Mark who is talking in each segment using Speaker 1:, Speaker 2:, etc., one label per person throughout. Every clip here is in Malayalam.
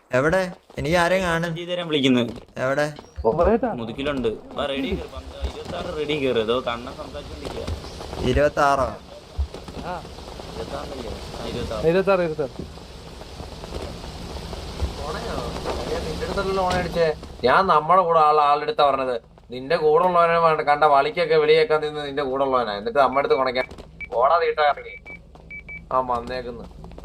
Speaker 1: എവിടെ? എനിക്ക് ആരെയും കാണും.
Speaker 2: വിളിക്കുന്നു.
Speaker 1: എവിടെ?
Speaker 2: മുതുക്കിലുണ്ട്. റെഡി 26 റെഡി കയറി. ഏതോ കണ്ണൻ സംസാരിച്ചോണ്ടിരിക്കുക.
Speaker 1: 26
Speaker 3: ഞാൻ നമ്മളെ കൂടെ ആളുടെ അടുത്താ പറഞ്ഞത്. നിന്റെ കൂടെ ഉള്ളവനെ കണ്ട വളിക്കൊക്കെ വെളിയേക്കാൻ നിന്ന് നിന്റെ കൂടെ ഉള്ളവനാ. എന്നിട്ട് നമ്മുടെ അടുത്ത് കുണയ്ക്കാൻ ഓടാ തീട്ടാ ഇറങ്ങി. ആ വന്നേക്കുന്നു.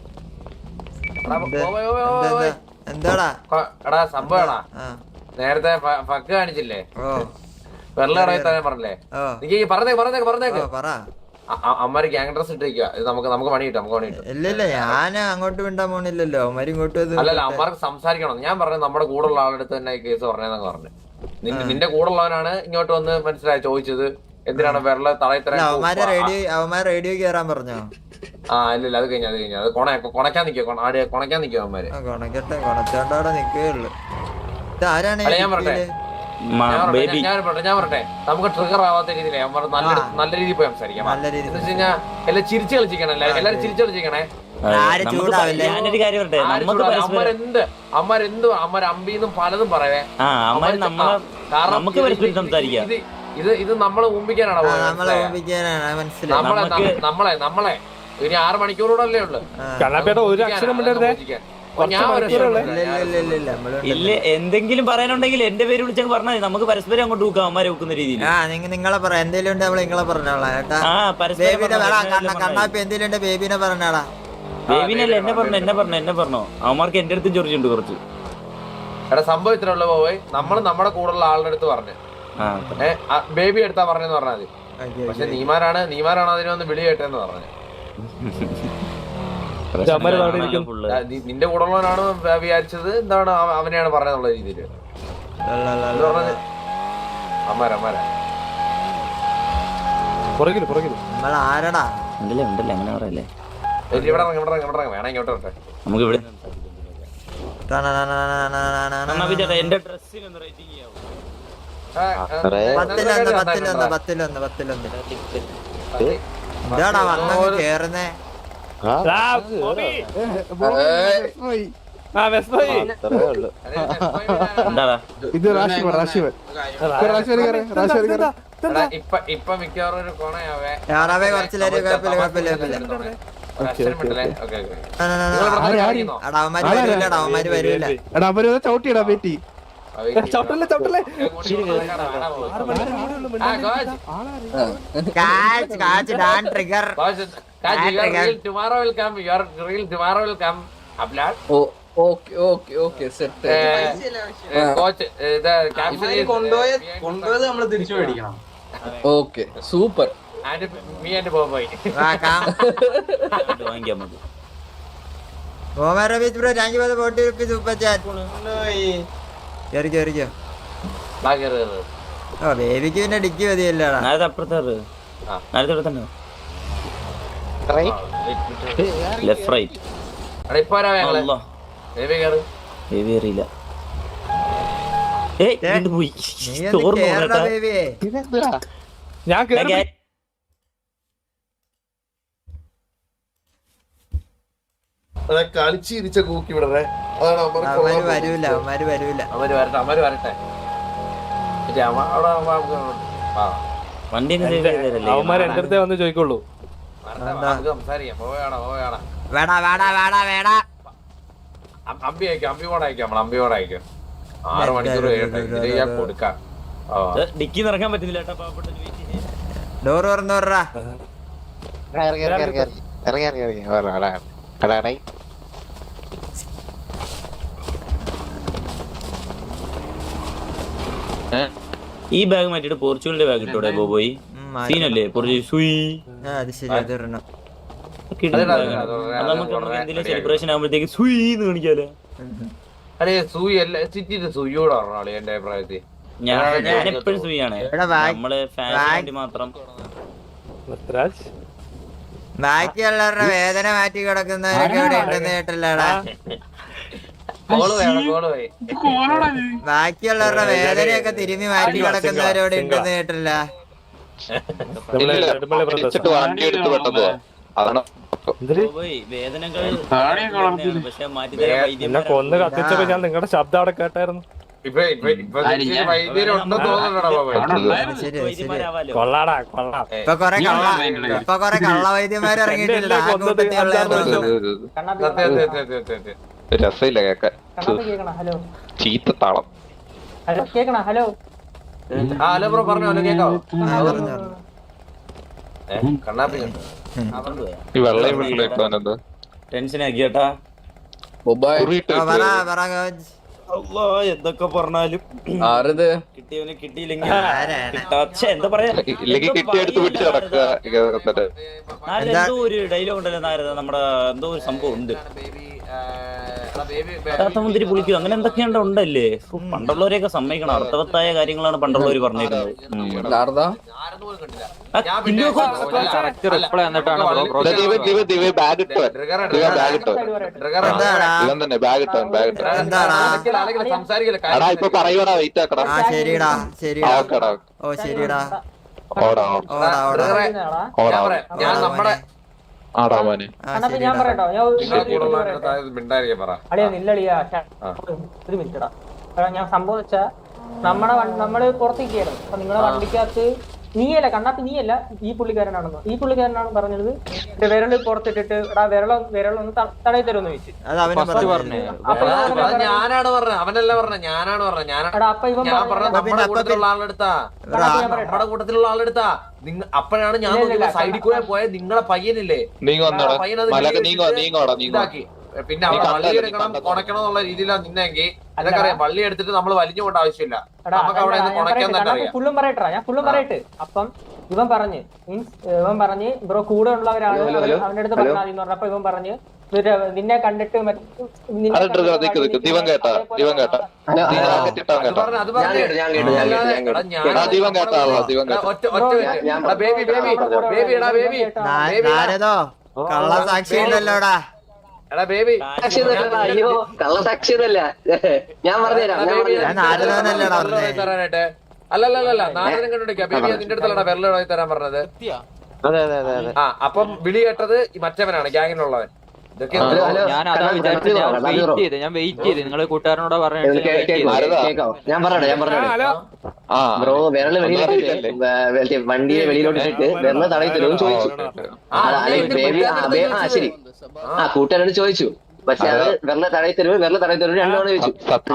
Speaker 1: എന്താടാ
Speaker 3: എടാ സംഭവടാ, നേരത്തെ ഫക്ക് കാണിച്ചില്ലേ? വെള്ളം ഇറങ്ങിത്താൻ പറഞ്ഞില്ലേ? എനിക്ക് പറഞ്ഞേക്ക് അമ്മമാര് ഗ്യാങ് ഡ്രസ് ഇട്ടിരിക്കുക. ഇത് നമുക്ക് പണി കിട്ടും.
Speaker 1: ഇല്ല ഞാൻ അങ്ങോട്ട് വിണ്ടാൻ പോണില്ലല്ലോ. അവന്മാര് ഇങ്ങോട്ട്
Speaker 3: അല്ലല്ല, അമ്മമാർക്ക് സംസാരിക്കണം. ഞാൻ പറഞ്ഞു നമ്മുടെ കൂടെ ഉള്ള ആളുടെ അടുത്ത് തന്നെ ഈ കേസ് പറഞ്ഞതെന്നൊക്കെ പറഞ്ഞു. നിന്റെ കൂടെ ഉള്ളവനാണ് ഇങ്ങോട്ട് വന്ന് മനസ്സിലായി ചോദിച്ചത് എന്തിനാണ് വെള്ളം തളയത്തര.
Speaker 1: അവന്മാര് റേഡിയോ കേറാൻ പറഞ്ഞോ?
Speaker 3: ആ ഇല്ല, അത് കഴിഞ്ഞു. അത് കൊണക്കാൻ നിക്കോ അവന്മാര്.
Speaker 1: കൊണക്കട്ടെ, കൊണച്ചോണ്ടവിടെ നിക്കുകയുള്ളു. ഇതാരാണ്?
Speaker 3: ഞാൻ പറട്ടെ നമുക്ക് ട്രിഗർ ആവാത്ത രീതിയിലേ നല്ല രീതിയിൽ പോയി സംസാരിക്കാം. എന്ന് വെച്ച് കഴിഞ്ഞാൽ എല്ലാം ചിരിച്ചു കളിച്ചിരിക്കണം. എല്ലാരും ചിരിച്ചു കളിച്ചിരിക്കണേ. അമ്മരെന്ത് അമ്പീന്നും പലതും പറയേ. ഇത് നമ്മളെ ഊമ്പിക്കാനാണ് നമ്മളെ ഇനി 6 മണിക്കൂറൂടെ ഉള്ളു.
Speaker 2: ഇല്ല, എന്തെങ്കിലും പറയാനുണ്ടെങ്കിൽ എന്റെ പേര് വിളിച്ചങ്ങ് പറഞ്ഞാൽ നമുക്ക് പരസ്പരം അങ്ങോട്ട് നോക്കാം. അമ്മമാരെ വെക്കുന്ന രീതിയിൽ
Speaker 1: നിങ്ങളെ പറയാം. എന്തെങ്കിലും ഉണ്ട് നമ്മൾ നിങ്ങളെ പറഞ്ഞോളാം കേട്ടാ. കണ്ണാപ്പി എന്തെങ്കിലും ഉണ്ട് ബേബിനെ പറഞ്ഞാടാ.
Speaker 2: ബേബിനല്ല, എന്നെ പറഞ്ഞോ. അവന്മാർക്ക് എന്റെ അടുത്തും ചോദിച്ചിട്ടുണ്ട് കുറച്ച്.
Speaker 3: എടാ സംഭവം ഇത്ര ഉള്ള പോയി. നമ്മുടെ കൂടെ ഉള്ള ആളുടെ അടുത്ത് പറഞ്ഞു. ബേബി എടുത്താ പറഞ്ഞെന്ന് പറഞ്ഞാൽ മതി. പക്ഷെ നീമാരാണ് അതിനൊന്ന് വിളി കേട്ടെന്ന് പറഞ്ഞു. നിന്റെ കൂടെ ഉള്ളവനാണ് വിചാരിച്ചത്. എന്താണ് അവനെയാണ് പറഞ്ഞെന്നുള്ള രീതിയില്
Speaker 1: ആരടാ
Speaker 2: ഉണ്ടല്ലേ അങ്ങനെ പറയല്ലേ.
Speaker 3: വേണം ഇങ്ങോട്ട് വരട്ടെ.
Speaker 2: നമുക്ക് ഇവിടെ എന്റെ
Speaker 1: എന്താടാ വന്നങ്ങ് കേറുന്നേ?
Speaker 3: ഇപ്പൊ മിക്കവാറും ഒരു കോണയാവേ.
Speaker 1: അവന്മാര് വരൂല.
Speaker 4: ചവിട്ടിയടാ പേറ്റി.
Speaker 5: കൊണ്ടുപോയത് നമ്മള് തിരിച്ചു മേടിക്കണം.
Speaker 4: Okay super.
Speaker 1: ബേബിക്ക് പിന്നെ ഡിക്കി മതിയല്ലോടാ.
Speaker 4: കളിച്ചിരിച്ച കൂക്കി വിടറേ.
Speaker 1: അവന്മാര് വരൂല.
Speaker 3: അവര് വരട്ടെ.
Speaker 4: അവന്മാര് എന്റെ അടുത്തേ വന്ന് ചോദിക്കുള്ളൂ.
Speaker 3: സംസാരിക്കാം. പോവേണ അമ്പി അയക്കാം. 6 മണിക്കൂർ കൊടുക്കാം.
Speaker 2: ഡിക്കി നിറക്കാൻ പറ്റുന്നില്ല.
Speaker 1: ഡോറ് തുറന്നോറാ.
Speaker 2: ഈ ബാഗ് മാറ്റിട്ട് പോർച്ചുഗലിന്റെ ബാഗ് ഇട്ടോടെ പോയി. സീനല്ലേ സെലിബ്രേഷൻ ആകുമ്പോഴത്തേക്ക് സുയിന്ന് കാണിക്കാലോ.
Speaker 3: അതെ സൂയി അല്ല സിറ്റിന്റെ സൂയിയോട് പറഞ്ഞാളി എന്റെ അഭിപ്രായത്തിൽ.
Speaker 2: ഞാൻ എപ്പോഴും സൂയാണ്. നമ്മള് ഫാമിലി മാത്രം.
Speaker 1: ബാക്കിയുള്ളവരുടെ വേദന മാറ്റി കിടക്കുന്നവരൊക്കെ ഇവിടെ ഉണ്ടെന്ന് കേട്ടല്ലോടാ. ബാക്കിയുള്ളവരുടെ വേദനയൊക്കെ തിരുമ്മി മാറ്റി കിടക്കുന്നവരോട് ഉണ്ടെന്ന് കേട്ടില്ല.
Speaker 2: വേദനകൾ പക്ഷെ മാറ്റി
Speaker 4: എന്നെ കൊന്ന് കത്തിച്ചപ്പോ ഞാൻ നിങ്ങളുടെ ശബ്ദം അവിടെ കേട്ടായിരുന്നു. കൊള്ളാടാ കൊള്ളാം.
Speaker 1: ഇപ്പൊ കൊറേ കള്ള വൈദ്യന്മാർ ഇറങ്ങിയിട്ടില്ല ആ കൂട്ടത്തിലുള്ള
Speaker 5: രസമില്ല കേക്കാൻ. ചീത്തത്താളം.
Speaker 3: ഹലോ ബ്രോ പറഞ്ഞോ കേക്കാവോ?
Speaker 5: ഈ വെള്ളയും വെള്ളയിട്ടാനെന്താ
Speaker 2: ടെൻഷൻ ആക്കിയേട്ടാ. എന്തൊക്കെ പറഞ്ഞാലും കിട്ടിയവന് കിട്ടിയില്ലെങ്കിൽ എന്താ പറയാ
Speaker 5: ഇല്ലെങ്കിൽ കിട്ടിയെടുത്ത് പിടിച്ച് നടക്കുക.
Speaker 2: എന്തോ ഒരു ഡയലോഗ് ഉണ്ടല്ലോ നാരദ, നമ്മുടെ എന്തോ ഒരു സംഭവം ഉണ്ട്, മുന്തിരി പുളിക്കും അങ്ങനെ എന്തൊക്കെയുണ്ട് ഉണ്ടല്ലേ. പണ്ടുള്ളവരെയൊക്കെ സമ്മതിക്കണം, അർത്ഥവത്തായ കാര്യങ്ങളാണ് പണ്ടുള്ളവർ പറഞ്ഞേക്കുന്നത്.
Speaker 5: ഇപ്പൊ പറയുവാടാ വെയിറ്റ് ആക്കടാ.
Speaker 1: ശരിടാ ശരിടാ ഓ ശരിടാ
Speaker 5: ഓടാ
Speaker 3: ഞാൻ നമ്മുടെ
Speaker 5: ആടാമാന്
Speaker 6: ഞാൻ പറയട്ടോ, ഞാൻ സംഭവം വെച്ചാ നമ്മള് പുറത്തേക്കായിരുന്നു. അപ്പൊ നിങ്ങളുടെ വണ്ടിക്കകത്ത് നീയല്ല കണ്ണാപ്പി, നീയല്ല ഈ പുള്ളിക്കാരനാണെന്നോ, ഈ പുള്ളിക്കാരനാണ് പറഞ്ഞത് വിരല് പുറത്തിട്ടിട്ട് വിരളൊന്ന് തടയി തരുമെന്ന് ചോദിച്ചു.
Speaker 3: ഞാനാണ് പറഞ്ഞത്, അവനല്ല പറഞ്ഞത്, ഞാനാണ് പറഞ്ഞത്.
Speaker 6: അപ്പൊ ഇവൻ
Speaker 3: നമ്മുടെ കൂട്ടത്തിലുള്ള ആളെടുത്താ അപ്പോഴാണ് ഞാൻ സൈഡിൽ കൂടെ പോയ നിങ്ങളെ പയ്യനില്ലേ, ഇതാക്കി. പിന്നെ വള്ളി എടുക്കണം കൊണക്കണം എന്നുള്ള രീതിയിലാണ് നിന്നെങ്കിൽ അതൊക്കെ അറിയാം. വള്ളി എടുത്തിട്ട് നമ്മൾ വലിഞ്ഞു കൊണ്ട് ആവശ്യമില്ല, നമുക്ക് അവിടെ കൊണക്കാൻ തന്നെ അറിയാം.
Speaker 6: ഫുള്ളും പറയട്ടാ, ഞാൻ ഫുള്ളും പറയട്ടെ. അപ്പം ഇവൻ പറഞ്ഞ് ബ്രോ കൂടെ ഉള്ളവരാണ് അവന്റെ അടുത്ത് പറഞ്ഞാൽ എന്ന് പറഞ്ഞപ്പോ ഇവൻ പറഞ്ഞ് നിന്നെ കണ്ടിട്ട്
Speaker 1: കള്ളസാക്ഷി ഉണ്ടല്ലോടാ.
Speaker 7: അയ്യോ കള്ളസാക്ഷിയതല്ല, ഞാൻ പറഞ്ഞുതരാം.
Speaker 3: അല്ലല്ല നാരദൻ കണ്ടുപിടിക്കാം. ബേബി നിന്റെ അടുത്തല്ലടാ വിരലായി തരാൻ പറഞ്ഞത്. ആ അപ്പം വിളി കേട്ടത് മറ്റവനാണ്, ഗ്യാങ്ങിനുള്ളവൻ.
Speaker 8: ഞാൻ അതാ വിചാരിച്ചത്, ഞാൻ വെയിറ്റ് ചെയ്ത് നിങ്ങള് കൂട്ടുകാരനോട് പറഞ്ഞു.
Speaker 7: ഞാൻ പറഞ്ഞോ ബ്രോ വിരല് വെളിയിലോട്ട് വണ്ടിയെ വെളിയിലോട്ട് ഇട്ടിട്ട് വിരല് തടയി തരുമെന്ന് ചോദിച്ചു. ശരി, ആ കൂട്ടുകാരോട് ചോദിച്ചു. പക്ഷെ അത് വിരല് തടയി തരുമോ രണ്ടോട് ചോദിച്ചു.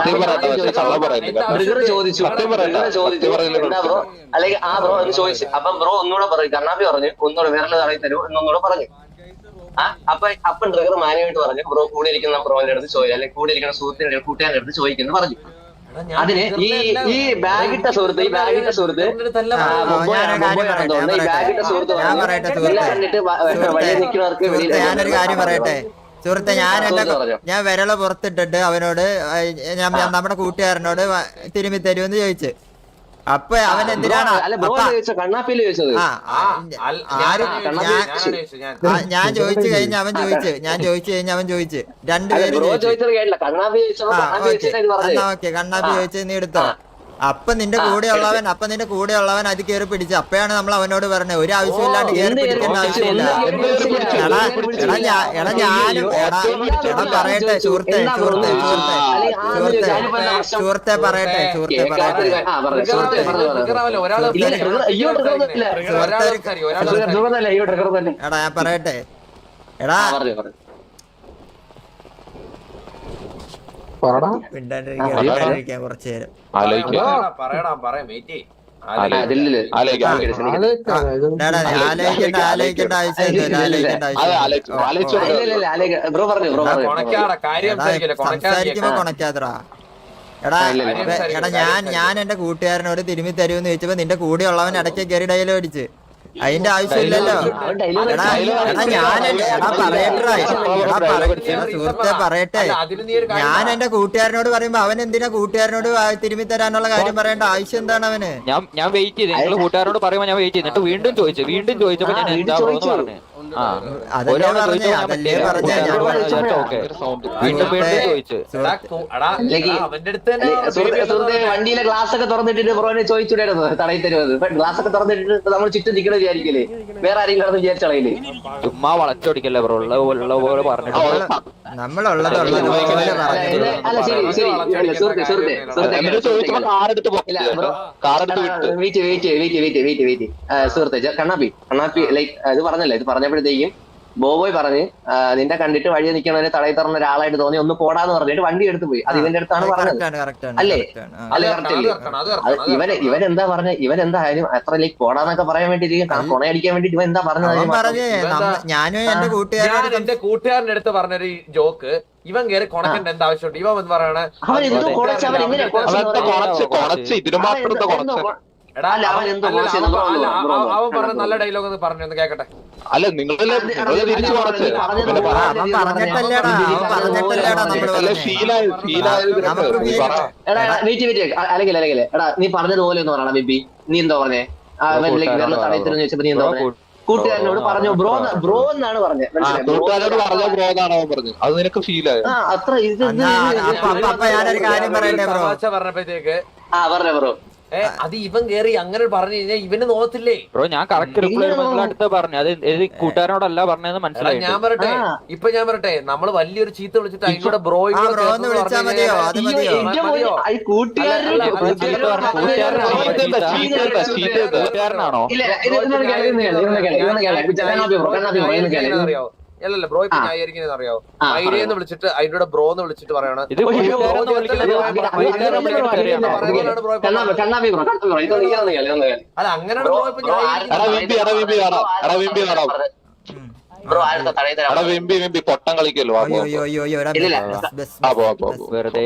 Speaker 7: ചോദിച്ചു എന്താ ബ്രോ, അല്ലെങ്കിൽ ആ ബ്രോ എന്ന് ചോദിച്ചു. അപ്പം ബ്രോ ഒന്നുകൂടെ പറഞ്ഞു, കണ്ണാപ്പി പറഞ്ഞു ഒന്നുകൂടെ വിരല് തടയി തരുമോ എന്നൊന്നുകൂടെ പറഞ്ഞു. അപ്പം ട്രിഗർ മാന്യമായിട്ട് പറഞ്ഞു ബ്രോ കൂടെ ഇരിക്കുന്ന ബ്രോന്റെ അടുത്ത് ചോദിച്ചു, അല്ലെങ്കിൽ കൂടെ ഇരിക്കുന്ന സുഹൃത്തിന്റെ കൂട്ടുകാരുടെ അടുത്ത് ചോദിക്കുന്നു പറഞ്ഞു. അതിന് ഈ ബാഗിട്ട സുഹൃത്ത് ഈ ബാഗിട്ട സുഹൃത്ത്
Speaker 1: ഞാനൊരു കാര്യം പറയട്ടെ സുഹൃത്തെ, ഞാൻ വിരള് പുറത്തിട്ടിട്ട് അവനോട് നമ്മുടെ കൂട്ടുകാരനോട് തിരുമ്പി തരുമെന്ന് ചോദിച്ചു. അപ്പൊ അവൻ എന്തിനാണ് ഞാൻ ചോദിച്ചു കഴിഞ്ഞ അവൻ ചോദിച്ചു, രണ്ടുപേരും ഓക്കെ കണ്ണാപ്പി ചോദിച്ചു നീ എടുത്തോ. അപ്പൊ നിന്റെ കൂടെ ഉള്ളവൻ അത് കയറി പിടിച്ചു. അപ്പഴാണ് നമ്മൾ അവനോട് പറഞ്ഞത് ഒരു ആവശ്യമില്ലാണ്ട് കയറി പിടിക്കേണ്ട ആവശ്യമില്ല. പറയട്ടെ സുഹൃത്തെ പറയട്ടെ എടാ ഞാൻ പറയട്ടെ എടാ മിണ്ടാണ്ടിരിക്കാൻ കുറച്ചു നേരം ആലോചിക്കേണ്ട സംസാരിക്കുമ്പോ കൊണക്കാതറാ. എടാ ഞാൻ എന്റെ കൂട്ടുകാരനോട് തിരുമ്മി തരുമെന്ന് ചോദിച്ചപ്പോ നിന്റെ കൂടെ ഉള്ളവൻ ഇടയ്ക്ക് കയറി ഡയലോഗ് അടിച്ച്. അതിന്റെ ആവശ്യമില്ലല്ലോ. സുഹൃത്തെ പറയട്ടെ, ഞാൻ എന്റെ കൂട്ടുകാരനോട് പറയുമ്പോ അവൻ എന്തിനാ കൂട്ടുകാരനോട് തിരുമ്മി തരാനുള്ള കാര്യം പറയേണ്ട ആവശ്യം എന്താണ് അവന്?
Speaker 8: ഞാൻ വെയിറ്റ് ചെയ്ത് നിങ്ങൾ കൂട്ടുകാരോട് പറയുമ്പോ ഞാൻ വെയിറ്റ് ചെയ്തിട്ട് വീണ്ടും ചോദിച്ചപ്പോ ഞാൻ എന്താ പറഞ്ഞു.
Speaker 1: അതല്ലേ പറഞ്ഞേ അതല്ലേ പറഞ്ഞേ
Speaker 3: അവന്റെ അടുത്ത് തന്നെ
Speaker 7: വണ്ടിയിലെ ഗ്ലാസ് ഒക്കെ തുറന്നിട്ടിട്ട് ബ്രോനെ ചോദിച്ചുണ്ടായിരുന്നു തടയി തരുന്നത്. ഗ്ലാസ് ഒക്കെ തുറന്നിട്ട് നമ്മൾ ചുറ്റും നിൽക്കണ വിചാരിക്കല്ലേ, വേറെ ആരെങ്കിലും കടന്ന് വിചാരിച്ചളയില്ലേ?
Speaker 8: ചുമ്മാ വളച്ചൊടിക്കല്ലേ ബ്രോ, ഉള്ള പോലെ പറഞ്ഞിട്ട്
Speaker 1: നമ്മളുള്ളത്
Speaker 7: അല്ല ശരി ശരി സുഹൃത്തെ സുഹൃത്തെ സുഹൃത്തെ കണ്ണാപ്പി ലൈക്ക് ഇത് പറഞ്ഞല്ലേ, ഇത് പറഞ്ഞപ്പോഴത്തേക്കും ബോബോയ് പറഞ്ഞ് നിന്റെ കണ്ടിട്ട് വഴി നിൽക്കണവരെ തടയി തുറന്ന ഒരാളായിട്ട് തോന്നി, ഒന്ന് പോടാന്ന് പറഞ്ഞിട്ട് വണ്ടി എടുത്ത് പോയി. അത് ഇവന്റെ അടുത്താണ് പറഞ്ഞത് അല്ലേ? അത് കറക്റ്റ് അല്ലേ? ഇവൻ എന്താ പറഞ്ഞ, ഇവൻ എന്തായാലും അത്ര ലൈക്ക് പോടാന്നൊക്കെ പറയാൻ വേണ്ടി കൊണയടിക്കാൻ വേണ്ടിട്ട് ഇവൻ എന്താ പറഞ്ഞത്?
Speaker 1: ഞാനും എന്റെ കൂട്ടുകാരൻ
Speaker 3: എന്റെ കൂട്ടുകാരന്റെ അടുത്ത് പറഞ്ഞൊരു ജോക്ക് ഇവൻ കയറി കൊണക്കേണ്ട എന്താ ആവശ്യമുണ്ട്? ഇവൻ എന്ന് പറയണേ അവൻ പറഞ്ഞ നല്ല ഡയലോഗ് ഒന്ന് പറഞ്ഞു ഒന്ന് കേക്കട്ടെ.
Speaker 5: അല്ല നിങ്ങളല്ലേ തിരിച്ചു
Speaker 7: അല്ലെങ്കിൽ എടാ നീ പറഞ്ഞതുപോലെ ഒന്ന് പറയണം ബിബി. നീ എന്താ പറഞ്ഞേ? തടയത്തിലെന്ന് ചോദിച്ചപ്പോ നീ എന്താ പറഞ്ഞേ? കൂട്ടുകാരനോട് പറഞ്ഞു ബ്രോ എന്നാണ് പറഞ്ഞത്.
Speaker 5: കൂട്ടുകാരോട് പറഞ്ഞ ബ്രോ എന്നാണ് അവൻ പറഞ്ഞത്. അത് നിനക്ക് ഫീൽ ആയോ?
Speaker 7: അത്ര ഇത്
Speaker 1: ഞാനൊരു കാര്യം പറയട്ടെ ബ്രോ.
Speaker 3: പറഞ്ഞപ്പോഴത്തേക്ക്
Speaker 7: പറഞ്ഞ ബ്രോ
Speaker 3: അത് ഇവൻ കേറി അങ്ങനെ പറഞ്ഞു കഴിഞ്ഞാൽ ഇവന് നോക്കത്തില്ലേ
Speaker 8: ബ്രോ? ഞാൻ കറക്റ്റ് റിപ്ലൈ അടുത്ത് പറഞ്ഞു, അത് കൂട്ടുകാരനോടല്ല പറഞ്ഞതെന്ന് മനസ്സിലായി.
Speaker 3: ഞാൻ പറയട്ടെ നമ്മള് വലിയൊരു ചീത്ത വിളിച്ചിട്ട് അതിലൂടെ ബ്രോ
Speaker 1: വിളിച്ചാൽ മതിയോ? അത് മതിയോ?
Speaker 8: കൂട്ടുകാരനാണോ?
Speaker 3: അറിയോ? അല്ലല്ല ബ്രോ ഇപ്പൊ ന്യായീകരിക്കുന്നത് അറിയോ? മൈരേന്ന് വിളിച്ചിട്ട് അതിലൂടെ ബ്രോ എന്ന് വിളിച്ചിട്ട് പറയണ അല്ല അങ്ങനെയാണ് ബ്രോ ഇപ്പൊ
Speaker 5: പൊട്ടം കളിക്കല്ലോ
Speaker 8: വെറുതെ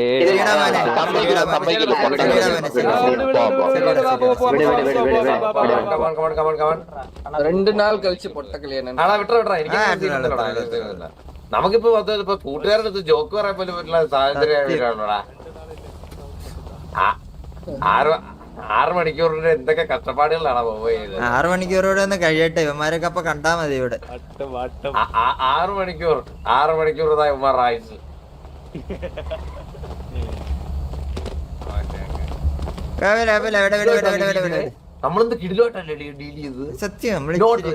Speaker 3: നമുക്കിപ്പോ കൂട്ടുകാരുടെ അടുത്ത് ജോക്ക് പറയാൻ പോലും പറ്റുന്ന സാഹചര്യമാണോടാ. 6 മണിക്കൂറിന്റെ എന്തൊക്കെ കഷ്ടപ്പാടുകളാണ് പോയത്.
Speaker 1: 6 മണിക്കൂറോടെ ഒന്ന് കഴിയട്ടെ, ഇവന്മാരൊക്കെ അപ്പൊ കണ്ടാ മതി ഇവിടെ.
Speaker 3: 6 മണിക്കൂർ ഉമാർ ആയിസ് നമ്മളെന്ത് കിടിലോട്ടല്ലേ ഡീൽ ചെയ്ത്.
Speaker 1: സത്യം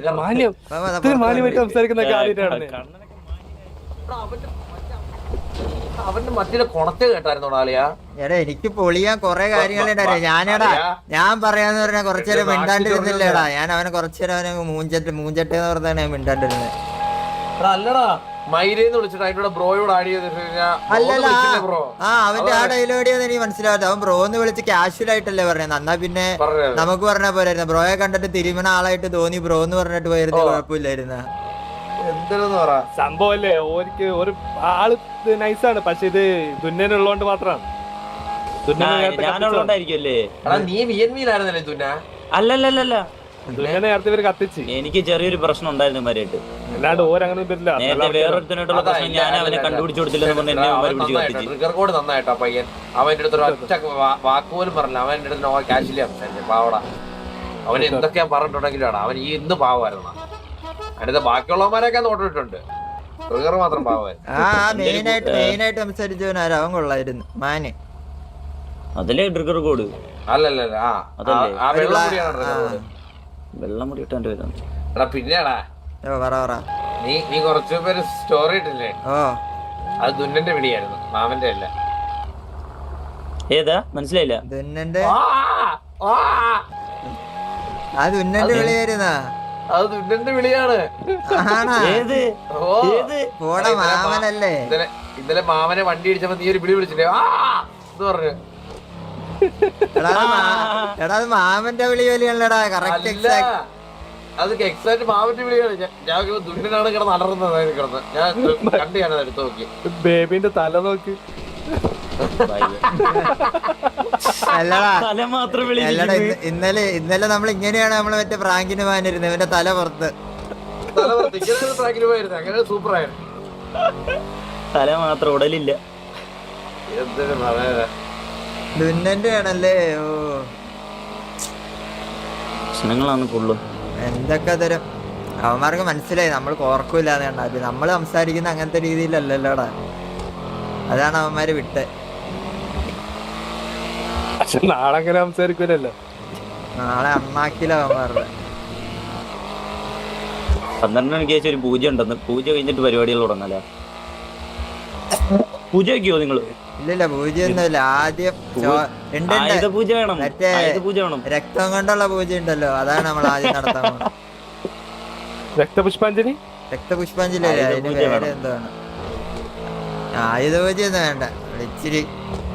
Speaker 3: അവന്റെ മറ്റേ കൊണത്തെ കേട്ടായിരുന്നോ ആളിയാ?
Speaker 1: എടാ എനിക്ക് പൊളിയാൻ കൊറേ കാര്യങ്ങളുണ്ടായിരുന്നു. ഞാൻ പറയാന്ന് പറഞ്ഞാൽ കുറച്ചേരം മിണ്ടാണ്ടിരുന്നില്ലേടാ. ഞാൻ അവനെ കുറച്ചേരം അവനെ മൂഞ്ചട്ടെ എന്ന് പറഞ്ഞാണ് ഞാൻ മിണ്ടാണ്ടിരുന്നത്.
Speaker 3: അല്ലടാ മൈരേന്ന് വിളിച്ചിട്ട് അതിന്റെ ബ്രോയോട് ആഡ് ചെയ്തിട്ട്
Speaker 1: അവന്റെ ആ ഡയലോഗിയെന്ന് എനിക്ക് മനസ്സിലാവാത്ത. അവൻ ബ്രോ എന്ന് വിളിച്ച് കാഷ്വൽ ആയിട്ടല്ലേ പറഞ്ഞത്. എന്നാ പിന്നെ നമുക്ക് പറഞ്ഞാ പോരായിരുന്നു. ബ്രോയെ കണ്ടിട്ട് തിരുമണ ആളായിട്ട് തോന്നി ബ്രോ എന്ന് പറഞ്ഞിട്ട് പോയിരുന്നു, കുഴപ്പമില്ലായിരുന്നു.
Speaker 4: സംഭവല്ലേ ഓർക്ക് ഒരു ആള് നൈസാണ്, പക്ഷെ ഇത് തുന്നനുള്ളോണ്ട് മാത്രമാണ്.
Speaker 2: അല്ലല്ല
Speaker 4: തുന്നനെ നേരത്തെ ഇവര് കത്തിച്ച്
Speaker 2: എനിക്ക് ചെറിയൊരു പ്രശ്നം ഉണ്ടായിരുന്നു മരിയായിട്ട്.
Speaker 4: അല്ലാണ്ട് ഓരങ്ങനെ വരില്ല.
Speaker 2: വേറൊരുത്തനായിട്ടുള്ള പ്രശ്നം ഞാൻ അവനെ കണ്ടുപിടിച്ചു കൊടുത്തില്ലെന്ന് പറഞ്ഞ്
Speaker 3: ട്രിഗർ കോഡ് നന്നായിട്ടോ പയ്യൻ. അവന്റെ അടുത്ത് ഒരു ഒറ്റ വാക്കുപോലും പറഞ്ഞില്ല. അവന്റെ അടുത്ത് നോ ക്യാഷില്ല സംസാരിച്ചു. പാവടാ, അവൻ എന്തൊക്കെയാ പറഞ്ഞിട്ടുണ്ടെങ്കിലും അവൻ ഈ ഇന്ന് പാവമായിരുന്നു. അതിനകത്ത് ബാക്കിയുള്ളവന്മാരൊക്കെ നോട്ടിട്ടുണ്ട്, ട്രിഗർ മാത്രം പാവമായിരുന്നു.
Speaker 1: മെയിനായിട്ട് സംസാരിച്ചവനാരാ അവൻ കൊള്ളായിരുന്നു മാന്.
Speaker 2: അതല്ലേ ട്രിഗർ കോഡ്?
Speaker 3: അല്ലല്ല
Speaker 2: വെള്ളമുടി ഇട്ടാൻ വരാം.
Speaker 3: എടാ പിന്നെടാ നീ കുറച്ചു പേര് സ്റ്റോറി ഇട്ടില്ലേ? അത് ദുന്നന്റെ വിളിയായിരുന്നു, മാമന്റെ അല്ല.
Speaker 2: ഏതാ മനസ്സിലായില്ല?
Speaker 1: ദുന്നന്റെ അത് ദുന്നന്റെ വിളിയായിരുന്നാ?
Speaker 3: അത് ദുന്നന്റെ വിളിയാണ്.
Speaker 1: പോടാ മാമനല്ലേ.
Speaker 3: ഇന്നലെ മാമനെ വണ്ടി ഇടിച്ചപ്പോ നീ ഒരു വിളി വിളിച്ചില്ലേ എന്ന് പറഞ്ഞു.
Speaker 1: എടാ അത് മാമന്റെ വിളി വലിയല്ലടാ. കറക്റ്റ്
Speaker 3: അത് എക്സാക്ട് മാമന്റെ വിളിയാണ്. ഞാൻ ദുന്നനാണ് കിടന്ന് അലറുന്നത് കിടന്ന്. ഞാൻ കണ്ടു, ഞാനത് എടുത്തു നോക്കി.
Speaker 4: ബേബിന്റെ തല നോക്കി.
Speaker 1: ഇന്നലെ നമ്മൾ ഇങ്ങനെയാണ് നമ്മള് മറ്റേ പ്രാങ്കിന് പോകാനിരുന്നത്. ഇവന്റെ തല പുറത്ത്
Speaker 3: അങ്ങനെ സൂപ്പറായിരുന്നു.
Speaker 2: തല മാത്രം, ഉടലില്ല.
Speaker 3: എന്തൊരു പറയാ,
Speaker 1: ദുന്നന്റെ ആണല്ലേ. ഓ
Speaker 2: പ്രശ്നങ്ങളാണ് ഫുള്ള്.
Speaker 1: എന്തൊക്കെ തരം അവന്മാർക്ക് മനസ്സിലായി നമ്മൾ കോർക്കൂലെന്ന് കണ്ടാ. നമ്മൾ സംസാരിക്കുന്ന അങ്ങനത്തെ രീതിയിലല്ലല്ലോടാ, അതാണ് അവന്മാര് വിട്ട്.
Speaker 4: പക്ഷെ നാളെ അങ്ങനെ സംസാരിക്കൂലല്ലോ.
Speaker 1: നാളെ അണ്ണാക്കില അവന്മാരുടെ
Speaker 2: 12 മണിക്ക് ശേഷം ഒരു പൂജ ഉണ്ടെന്ന്. പൂജ കഴിഞ്ഞിട്ട് പരിപാടികൾ തുടങ്ങാല. പൂജ വയ്ക്കുവോ നിങ്ങള്?
Speaker 1: ഇല്ലില്ല, പൂജയൊന്നുമില്ല. ആദ്യം
Speaker 2: ആയുധ പൂജ വേണം,
Speaker 1: മറ്റേ
Speaker 2: ആയുധ പൂജ വേണം.
Speaker 1: രക്തം കൊണ്ടുള്ള പൂജ ഉണ്ടല്ലോ, അതാണ് നമ്മൾ ആദ്യം നടത്താൻ പോകുന്നത്.
Speaker 4: രക്തപുഷ്പാഞ്ജലി
Speaker 1: രക്തപുഷ്പാഞ്ജലി അതിന് പേര് എന്താണ്? ആയുധ പൂജയൊന്നും വേണ്ട, ഇച്ചിരി